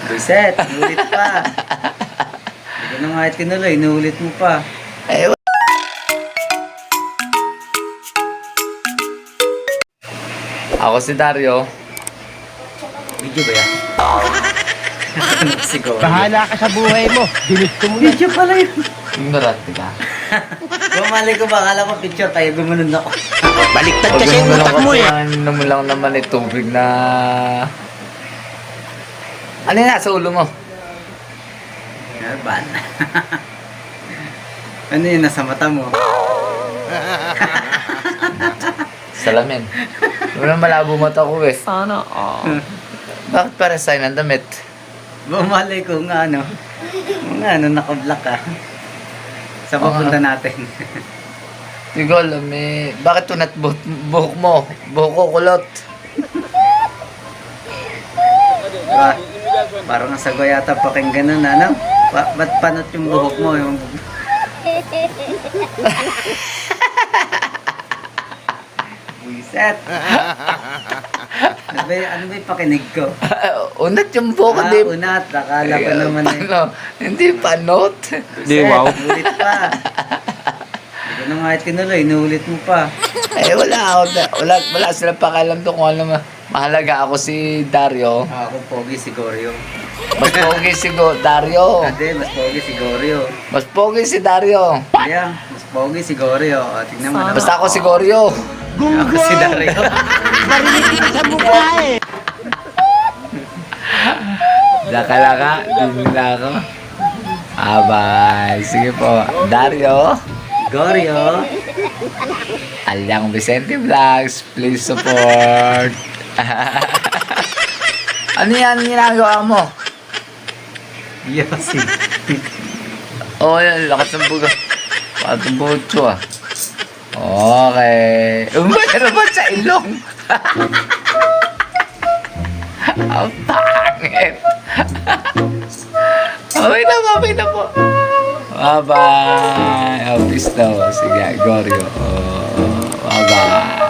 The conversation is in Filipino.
Buset, inulit pa. Hindi ko na nga tinuloy, inulit mo pa. Eh, ako si Dario. Video ba yan? Siguro. Bahala ka sa buhay mo. Ginusto mo yan. Video pala yun. Ignorante ka. Bumali ko ba? Akala ko picture tayo, gumanon ako. Baliktad Pag kasi yung ganun utak kasi mo eh. ano mo lang naman eh, tubig na... Ano yung nasa ulo mo? Nerban. Ano yun, nasa mata mo? Salamin. Wala malabo mata ko eh. Sana, Bakit para sa'yo ng damit? Bumali ko nga ano. Naka-block ka. Sa papunta natin. Hindi ko alam eh. Bakit tunat buhok mo? Buhok ko kulot. Diba? Parang ang sago yata pakinggan nun, ano? Ba't panot yung buhok mo? Yung... Buiset! Ano ba yung pakinig ko? Unat yung buhok, di Unat. Akala ko naman eh. Ano? Hindi panot. Di, wow. Inulit pa. Hindi ko na nga tinuloy, inulit mo pa. Eh wala silang pakialam doon kung ano mahalaga ako si Dario. Ako pogi si Goryo. Mas pogi si Dario. Hindi, mas pogi si Goryo. Mas pogi si Dario. Kaya, mas pogi si Goryo. O, tingnan mo naman. Basta ako si Goryo. Ako si Dario. Narinig kita sa mukha eh. Dakalaka, din na ako. Abay, sige po. Dario. Goryo. Alyang Vicente Vlogs, please support. Ano yan ginagawa mo? Yosi. Oh, yan, lakas ng buga. Lakas ng butso ah. Okay. Meron ba sa ilong? Ang pangit. Okay na po. Bye-bye. Oh, peace daw. Sige, Goryo. Oh, bye-bye.